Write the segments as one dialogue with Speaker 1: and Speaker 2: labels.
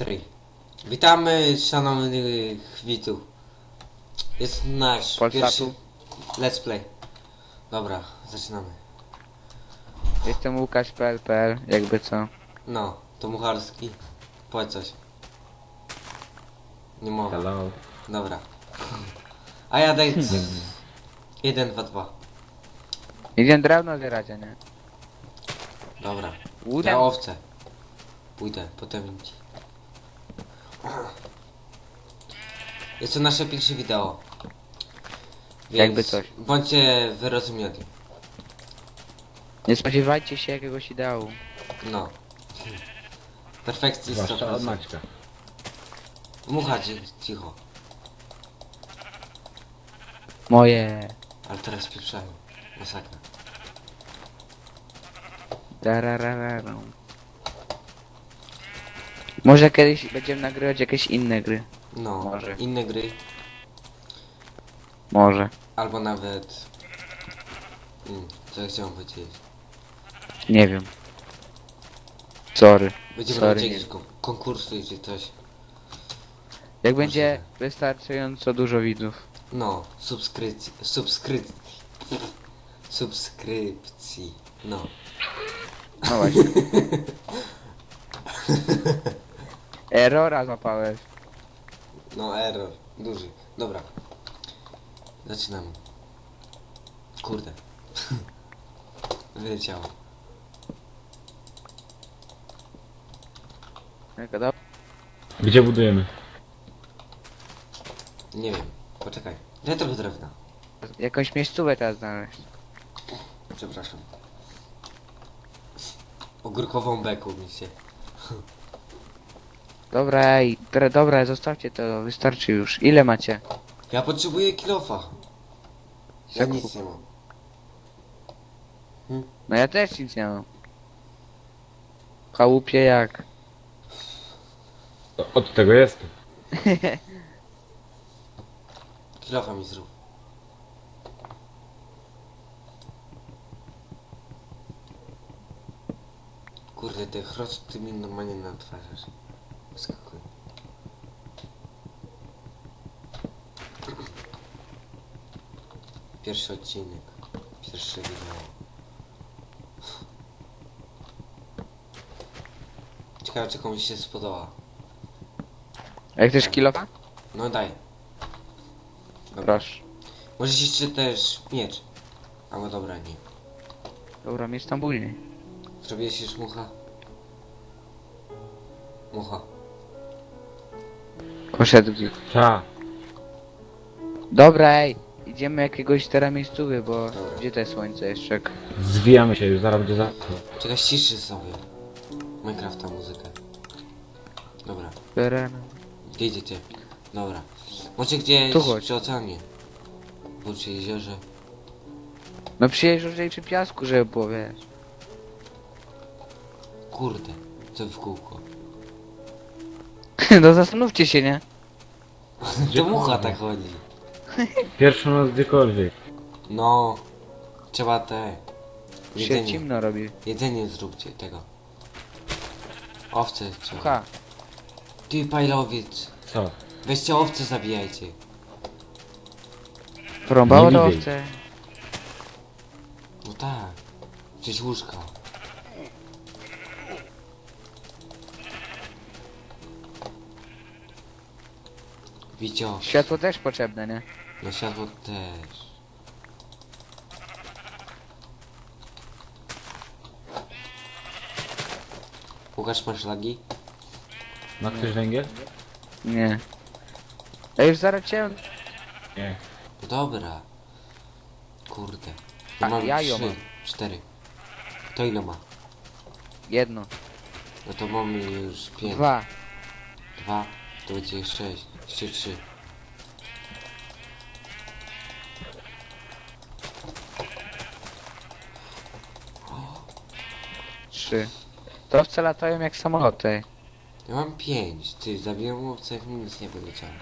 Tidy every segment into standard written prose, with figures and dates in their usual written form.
Speaker 1: Witamy szanownych widzów. Jest nasz pierwszy let's play. Dobra, zaczynamy.
Speaker 2: Jestem Łukasz.pl, jakby co.
Speaker 1: No, to Mucharski. Powiedz coś. Nie mogę.
Speaker 3: Hello.
Speaker 1: Dobra. A ja daj 1, 2, 2.
Speaker 2: Idziemy drewno zbierać, a nie?
Speaker 1: Dobra.
Speaker 2: Uda.
Speaker 1: Ja owce. Pójdę, potem ci. Jest to nasze pierwsze wideo. Więc
Speaker 2: Jakby coś.
Speaker 1: bądźcie wyrozumiali.
Speaker 2: Nie spodziewajcie się jakiegoś ideału.
Speaker 1: No. Perfekcji
Speaker 3: Zwłaszcza od
Speaker 1: 100%.
Speaker 3: Maćka.
Speaker 1: Mucha cicho.
Speaker 2: Moje.
Speaker 1: Ale teraz pieprzają. Masakra.
Speaker 2: Rararararu. Może kiedyś będziemy nagrywać jakieś inne gry.
Speaker 1: No,
Speaker 2: Może.
Speaker 1: inne gry.
Speaker 2: Może.
Speaker 1: Albo nawet... co ja chciałem powiedzieć?
Speaker 2: Nie wiem. Sorry.
Speaker 1: Będziemy
Speaker 2: Sorry,
Speaker 1: robić
Speaker 2: nie.
Speaker 1: jakieś konkursy czy coś.
Speaker 2: Jak będzie wystarczająco dużo widzów.
Speaker 1: No, subskrypcji. No.
Speaker 2: No właśnie. Errora złapałeś.
Speaker 1: No, error. Duży. Dobra. Zaczynamy. Kurde. Wyleciało.
Speaker 3: Gdzie budujemy?
Speaker 1: Nie wiem. Poczekaj. Daj trochę drewna.
Speaker 2: Jakąś miejscówę teraz znaleźć.
Speaker 1: Przepraszam. Ogórkową beką mi się.
Speaker 2: Dobra, ej, dobra, zostawcie to, wystarczy już. Ile macie?
Speaker 1: Ja potrzebuję kilofa. Ja nic nie mam.
Speaker 2: No ja też nic nie mam. Chałupie jak?
Speaker 3: Od tego jest.
Speaker 1: Kilofa mi zrób. Kurde, te chrosty mi normalnie natwarzasz. Skakuj. Pierwszy odcinek. Pierwsze wideo. Ciekawe, czy komuś się spodoba.
Speaker 2: A jak też kilofa?
Speaker 1: No daj. Dobra.
Speaker 2: Proszę.
Speaker 1: Możesz jeszcze też miecz. Albo dobra, nie.
Speaker 2: Dobra, mieć tam później.
Speaker 1: Zrobiłeś już mucha? Mucha.
Speaker 2: Poszedł gdzieś.
Speaker 3: Ta.
Speaker 2: Dobra, ej. Idziemy jakiegoś teraz miejscówy, bo...
Speaker 1: Dobra.
Speaker 2: Gdzie to jest słońce jeszcze?
Speaker 3: Zwijamy się już, zaraz będzie za...
Speaker 1: Czekaj, ściszy sobie. Minecrafta muzykę. Dobra. Gdzie idziecie? Dobra. Może gdzieś
Speaker 2: Tu chodź.
Speaker 1: przy oceanie. Bo przy jeziorze.
Speaker 2: No przyjeżdżaj przy piasku, żeby było, wiesz.
Speaker 1: Kurde. Co w kółko.
Speaker 2: No zastanówcie się, nie?
Speaker 1: To mucha tak chodzi.
Speaker 3: Pierwszą noc gdziekolwiek.
Speaker 1: No. Trzeba te...
Speaker 2: Się
Speaker 1: Jedzenie.
Speaker 2: zimno robi.
Speaker 1: Jedzenie zróbcie tego. Owce trzeba.
Speaker 2: Ha.
Speaker 1: Ty pajlowiec.
Speaker 3: Co?
Speaker 1: Weźcie owce, zabijajcie.
Speaker 2: Porąbało
Speaker 3: Nie
Speaker 2: to
Speaker 3: widzę.
Speaker 2: owce.
Speaker 1: No tak. Przecież łóżka. Wicio.
Speaker 2: Światło też potrzebne, nie?
Speaker 1: No światło też. Łukasz, masz lagi?
Speaker 3: Ma ktoś węgiel?
Speaker 2: Nie. Ja już zaraz cię...
Speaker 3: Nie.
Speaker 1: No dobra. Kurde.
Speaker 2: A,
Speaker 1: Ja mam
Speaker 2: ja ją
Speaker 1: 3,
Speaker 2: mam.
Speaker 1: 4. To ile ma?
Speaker 2: Jedno.
Speaker 1: No to mamy już 5.
Speaker 2: 2.
Speaker 1: 2. To będzie 6. Jeszcze 3.
Speaker 2: Trzy. To owce latają jak samoloty.
Speaker 1: Ja mam 5. Ty, zabiłem łowcę, jak mi nic nie wyleciało.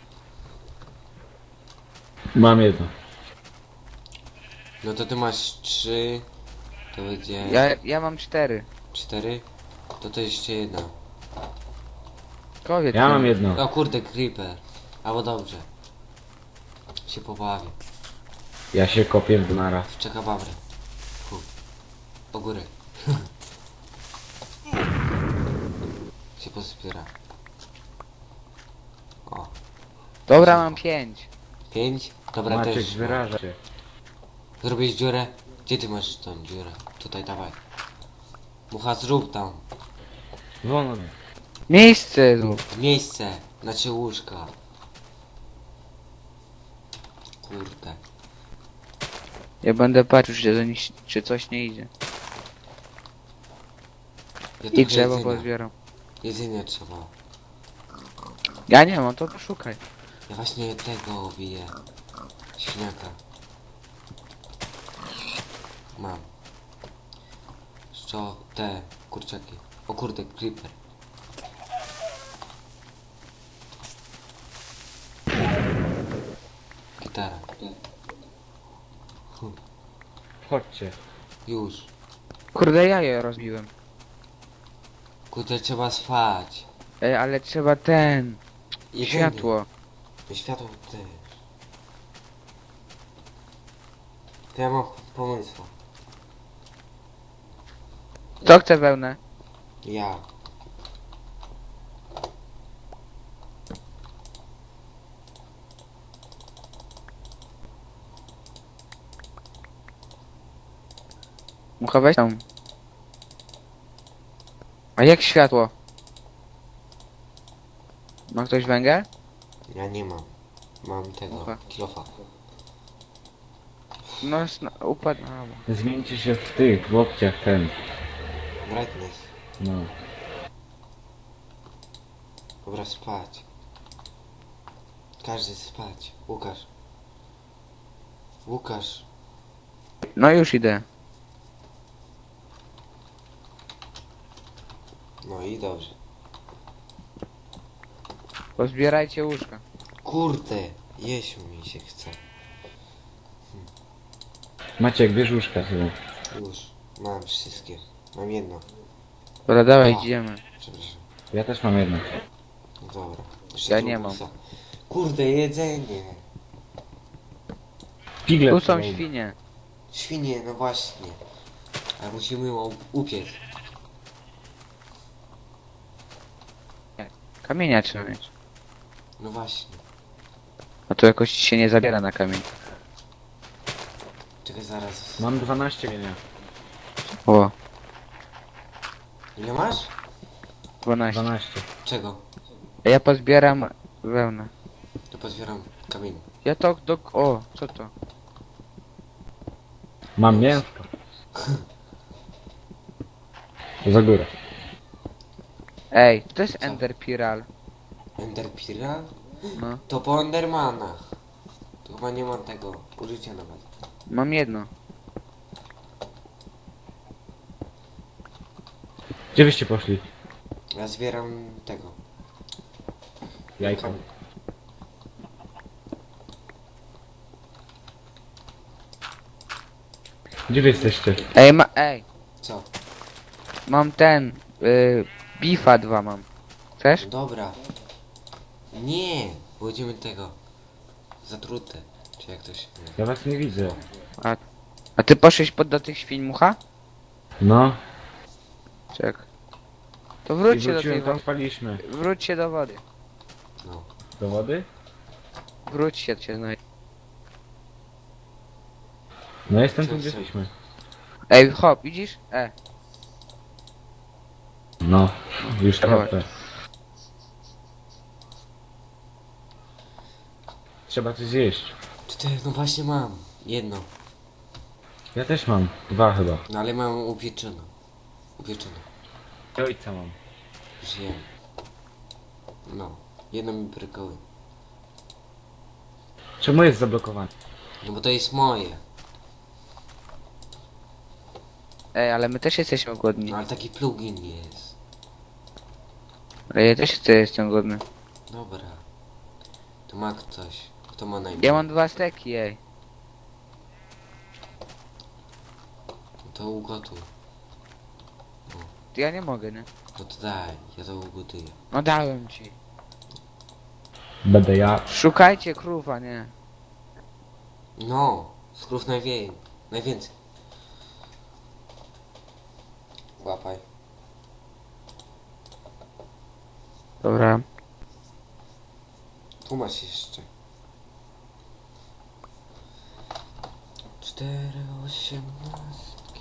Speaker 3: Mam jedno.
Speaker 1: No to ty masz 3. To będzie...
Speaker 2: Ja mam 4.
Speaker 1: 4. To jeszcze jedna.
Speaker 2: Kowiec.
Speaker 3: Ja mam jedno.
Speaker 1: O kurde, creeper. Albo dobrze. Się pobawię.
Speaker 3: Ja się kopię w naraz.
Speaker 1: W czekababry. O górę. się pozbiera. O.
Speaker 2: Dobra, mam 5.
Speaker 1: 5. Dobra,
Speaker 3: Maciek,
Speaker 1: też.
Speaker 3: wyraża się.
Speaker 1: Zrobić dziurę? Gdzie ty masz tą dziurę? Tutaj, dawaj. Mucha, zrób tam.
Speaker 3: Wolno.
Speaker 2: Miejsce zrób.
Speaker 1: Miejsce. Znaczy łóżka. Kurde.
Speaker 2: Ja będę patrzył, czy coś nie idzie.
Speaker 1: Ja
Speaker 2: I
Speaker 1: trochę
Speaker 2: drzewo
Speaker 1: jedzenia.
Speaker 2: pozbieram.
Speaker 1: Jedzenie trzeba.
Speaker 2: Ja nie mam, to poszukaj.
Speaker 1: Ja właśnie tego biję. Świniaka. Mam. Co? Te kurczaki. O kurde, creeper. Gitara.
Speaker 3: Chodźcie.
Speaker 1: Już.
Speaker 2: Kurde, ja je rozbiłem.
Speaker 1: Kurde, trzeba spać.
Speaker 2: Ej, ale trzeba ten...
Speaker 1: Jedzenie.
Speaker 2: Światło.
Speaker 1: Światło też. To ja mam pomysł.
Speaker 2: Kto chce wełnę?
Speaker 1: Ja.
Speaker 2: Mucha, weź tam. A jak światło? Ma ktoś węgiel?
Speaker 1: Ja nie mam. Mam tego.
Speaker 2: Dobra.
Speaker 1: Kilofa.
Speaker 2: No, upadł. A,
Speaker 3: Zmieńcie się w tych, w łokciach ten.
Speaker 1: Brightness.
Speaker 3: No.
Speaker 1: Dobra, spać. Każdy spać. Łukasz. Łukasz.
Speaker 2: no już idę.
Speaker 1: No i dobrze.
Speaker 2: Pozbierajcie łóżka.
Speaker 1: Kurde. Jeść mi się chce.
Speaker 3: Maciek, bierz łóżka sobie.
Speaker 1: Już. Mam wszystkie. Mam jedno.
Speaker 2: Dobra, dawaj,
Speaker 1: A.
Speaker 2: idziemy.
Speaker 1: Przepraszam.
Speaker 3: Ja też mam jedno.
Speaker 1: No dobra.
Speaker 2: Ja
Speaker 1: tu
Speaker 2: nie mam.
Speaker 1: psa. Kurde, jedzenie.
Speaker 3: Figle.
Speaker 2: Tu są
Speaker 3: tutaj.
Speaker 2: świnie.
Speaker 1: Świnie, no właśnie. Ale musimy ją upiec.
Speaker 2: Kamienia trzeba mieć.
Speaker 1: No właśnie.
Speaker 2: A to jakoś się nie zabiera na kamień.
Speaker 1: Czekaj zaraz.
Speaker 3: Mam 12 kamienia.
Speaker 2: O,
Speaker 1: Ile masz?
Speaker 2: 12.
Speaker 3: 12.
Speaker 1: Czego?
Speaker 2: A ja pozbieram wełnę.
Speaker 1: To pozbieram kamień.
Speaker 2: Ja to do... O, co to?
Speaker 3: Mam mięsko. Za górę.
Speaker 2: Ej, to jest
Speaker 1: Co?
Speaker 2: Enderpiral.
Speaker 1: Enderpira?
Speaker 2: No,
Speaker 1: To po Endermanach. Tu chyba nie mam tego użycia nawet.
Speaker 2: mam jedno.
Speaker 3: Gdzie wyście poszli?
Speaker 1: Ja zbieram tego.
Speaker 3: Jajka. Gdzie wy jesteście?
Speaker 2: Ej,
Speaker 1: Co?
Speaker 2: mam ten... Bifa 2 mam. Chcesz?
Speaker 1: No dobra. Nie! Będziemy tego. Zatrute. Czy jak to się...
Speaker 3: Ja was nie widzę.
Speaker 2: A ty poszłeś do tych świń, Mucha?
Speaker 3: No.
Speaker 2: Czek. To
Speaker 3: I
Speaker 2: wróćcie do
Speaker 3: wróciłem,
Speaker 2: tej
Speaker 3: tam
Speaker 2: wody.
Speaker 3: spaliśmy.
Speaker 2: Wróćcie do wody.
Speaker 1: No.
Speaker 3: Do wody?
Speaker 2: Wróćcie się znajdzie.
Speaker 3: No jestem tu,
Speaker 1: Co,
Speaker 3: gdzie
Speaker 1: co?
Speaker 3: jesteśmy.
Speaker 2: Ej, hop, widzisz?
Speaker 3: No. Już
Speaker 2: Dawaj.
Speaker 3: trochę. Trzeba coś zjeść.
Speaker 1: Cztery, no właśnie mam. Jedno.
Speaker 3: Ja też mam. 2 chyba.
Speaker 1: No ale mam upieczoną. Upieczoną.
Speaker 3: I ojca mam.
Speaker 1: Już jem. No. Jedno mi brykoły.
Speaker 3: Czemu jest zablokowany?
Speaker 1: No bo to jest moje.
Speaker 2: Ej, ale my też jesteśmy głodni.
Speaker 1: No ale taki plugin jest.
Speaker 2: Ale ja też jestem głodny.
Speaker 1: Dobra. To ma ktoś. Kto ma najmniej?
Speaker 2: Ja mam 2 steki, ej.
Speaker 1: To ugotuj.
Speaker 2: Ja nie mogę, nie?
Speaker 1: No to daj, ja to ugotuję.
Speaker 2: No dałem ci.
Speaker 3: Będę ja.
Speaker 2: Szukajcie krów, a nie.
Speaker 1: No, skrów najwięcej. Łapaj.
Speaker 2: Dobra.
Speaker 1: Tu masz jeszcze. 4,18.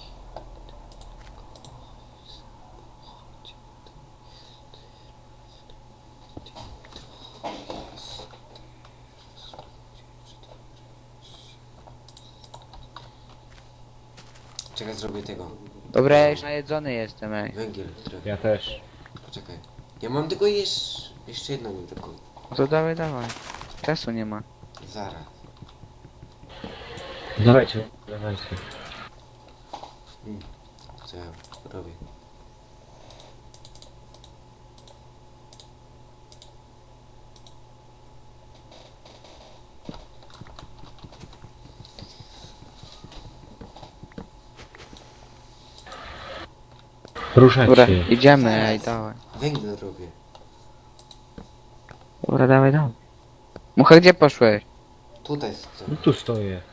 Speaker 1: Czekaj, zrobię tego.
Speaker 2: Dobra, ja już najedzony jestem, ej.
Speaker 1: Węgiel, drewno.
Speaker 3: Ja też.
Speaker 1: Poczekaj. Ja mam tylko jeszcze jedno mi tylko.
Speaker 2: No to dawaj, dawaj. Czasu nie ma.
Speaker 1: Zaraz.
Speaker 3: Dawajcie, dawajcie.
Speaker 1: Co ja robię?
Speaker 3: Ruszać
Speaker 2: Dobra,
Speaker 3: się.
Speaker 2: idziemy,
Speaker 1: Zaraz.
Speaker 2: ej, dawaj.
Speaker 1: Węgiel robię.
Speaker 2: Dobra, dawaj, dawaj. Mucha, gdzie poszłeś?
Speaker 1: Tutaj stoję.
Speaker 3: No tu stoję.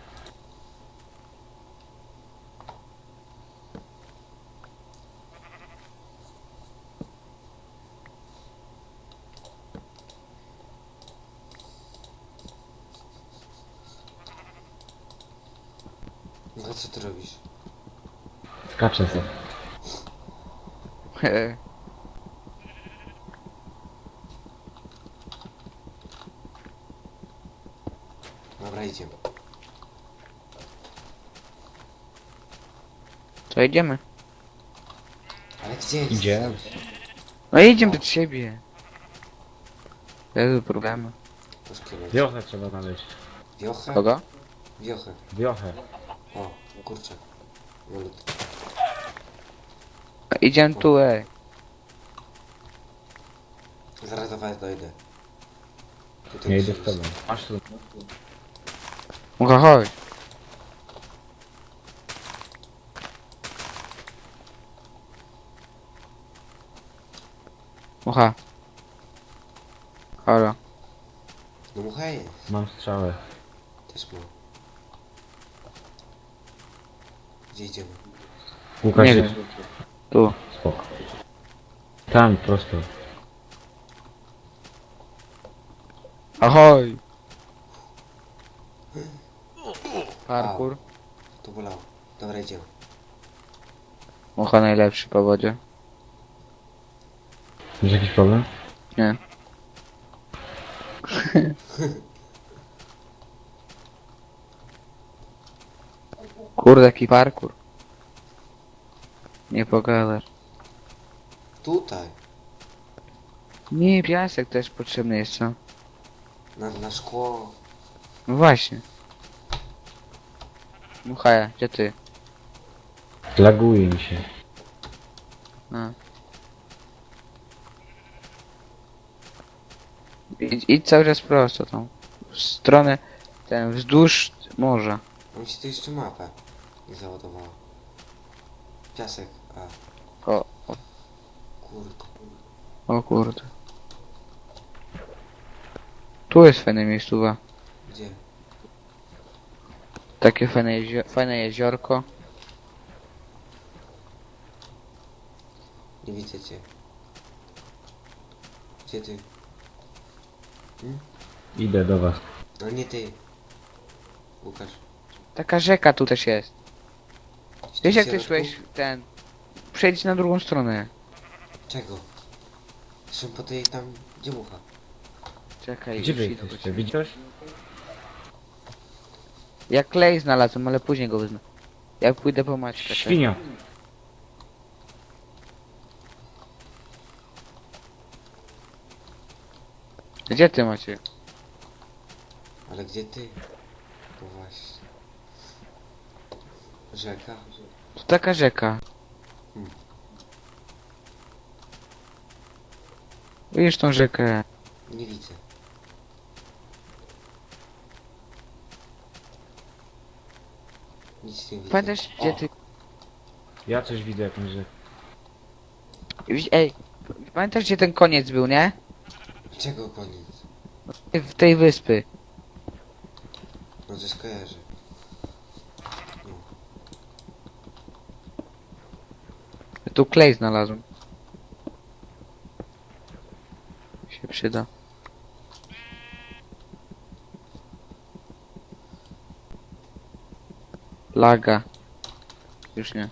Speaker 1: No co ty robisz?
Speaker 3: Skaczę sobie.
Speaker 1: Dobra, idziemy.
Speaker 2: To idziemy.
Speaker 1: Ale gdzie?
Speaker 3: Idziemy.
Speaker 2: No idziemy przed siebie. Jezu, problemy.
Speaker 1: To szkielet.
Speaker 3: Wiochę trzeba znaleźć.
Speaker 1: Wiochę?
Speaker 2: Kogo?
Speaker 1: Wiochę.
Speaker 3: Wiochę.
Speaker 1: O, kurczę. Malutki.
Speaker 2: Idziemy tu, ej.
Speaker 1: Zaraz do was dojdę. Tutaj
Speaker 3: Nie idę
Speaker 1: gdzieś
Speaker 3: z tobą. Masz tu.
Speaker 2: Mucha, chodź. Mucha. Halo.
Speaker 1: No mucha jest.
Speaker 3: Mam strzałę.
Speaker 1: Też mam. Gdzie idziemy?
Speaker 3: Łukasz
Speaker 2: Nie
Speaker 3: jest.
Speaker 2: wiem. Tu.
Speaker 3: Spoko. Tam, prosto.
Speaker 2: Ahoj. Parkour.
Speaker 1: To bolało. Dobra, idziemy.
Speaker 2: Mucha najlepszy po wodzie.
Speaker 3: Masz jakiś problem?
Speaker 2: Nie. Kurde, jaki parkour. Nie pogadasz.
Speaker 1: Tutaj.
Speaker 2: Nie, piasek też potrzebny jest, co?
Speaker 1: Na szkło.
Speaker 2: No właśnie. Mucha, gdzie ty?
Speaker 3: Laguje mi się.
Speaker 2: A. Idź cały czas prosto tą. W stronę, wzdłuż morza.
Speaker 1: Mam się tu jeszcze mapę. Nie załadowała. Piasek. A,
Speaker 2: O,
Speaker 1: kurde.
Speaker 2: o kurde. Tu jest fajne miejscowa.
Speaker 1: Gdzie?
Speaker 2: Takie fajne jeziorko.
Speaker 1: Nie widzę cię. Gdzie ty?
Speaker 3: Idę do was.
Speaker 1: No nie ty. Łukasz.
Speaker 2: Taka rzeka tu też jest. Wiesz jak ty
Speaker 1: środku?
Speaker 2: szłeś przejdź na drugą stronę.
Speaker 1: Czego? Szłem po tej tam, gdzie mucha.
Speaker 2: Czekaj,
Speaker 3: Gdzie wy
Speaker 2: już idę do
Speaker 3: jesteście?
Speaker 2: ciebie.
Speaker 3: Widzisz?
Speaker 2: Ja klej znalazłem, ale później go wezmę. Ja pójdę po Maćka. czekaj.
Speaker 3: Świnia.
Speaker 2: Gdzie ty macie?
Speaker 1: Ale gdzie ty? No właśnie. Rzeka?
Speaker 2: To taka rzeka. Widzisz tą rzekę?
Speaker 1: Nie widzę. Nic nie widzę.
Speaker 2: Pamiętasz gdzie
Speaker 1: O,
Speaker 2: ty...
Speaker 3: Ja coś widzę jakąś rzekę.
Speaker 2: Ej, pamiętasz gdzie ten koniec był, nie?
Speaker 1: Czego koniec?
Speaker 2: W tej wyspy.
Speaker 1: No to skojarzę.
Speaker 2: Tu klej znalazłem. Się przyda. Laga. Już nie.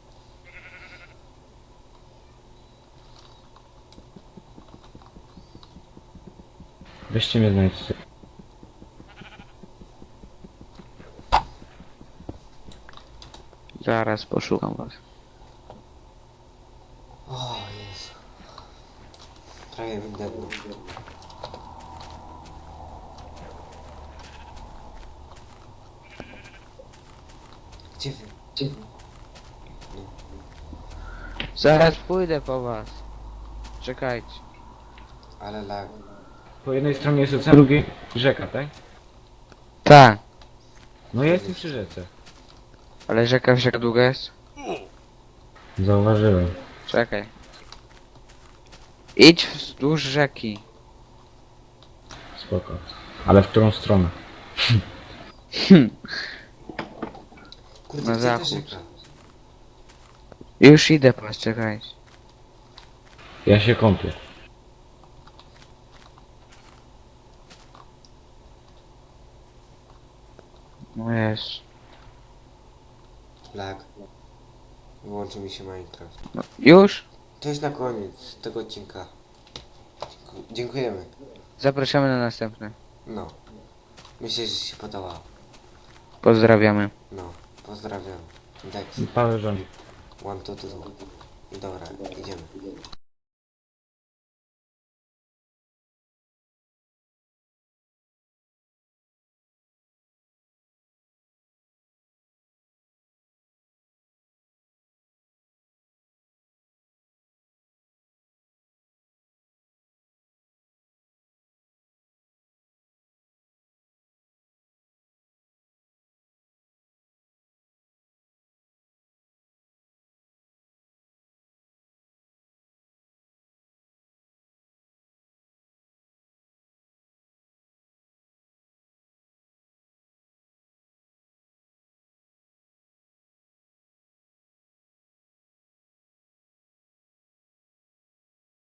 Speaker 3: Weźcie mnie znajdźcie.
Speaker 2: Zaraz poszukam was.
Speaker 1: O Jezu. Prawie wydepnął. Gdzie wy? Gdzie wy?
Speaker 2: Zaraz pójdę po was. Czekajcie.
Speaker 1: Ale lag.
Speaker 3: Po jednej stronie jest ocean, po drugiej rzeka, tak?
Speaker 2: Tak.
Speaker 3: No ja jestem przy rzece.
Speaker 2: Ale rzeka wiesz jak długa jest?
Speaker 3: Zauważyłem.
Speaker 2: Czekaj. Idź wzdłuż rzeki.
Speaker 3: Spoko. Ale w którą stronę?
Speaker 1: Kurde,
Speaker 2: Na
Speaker 1: gdzie ta
Speaker 2: zachód.
Speaker 1: rzeka?
Speaker 2: Już idę po was, czekajcie.
Speaker 3: Ja się kąpię.
Speaker 2: No jest.
Speaker 1: Lag. Wyłączył mi się Minecraft.
Speaker 2: No, już?
Speaker 1: To jest na koniec tego odcinka. Dziękujemy.
Speaker 2: Zapraszamy na następny.
Speaker 1: No. Myślę, że się podobało.
Speaker 2: Pozdrawiamy.
Speaker 1: No. Pozdrawiam. Dex.
Speaker 3: Paweł rządzi.
Speaker 1: One, two, two. Dobra, idziemy.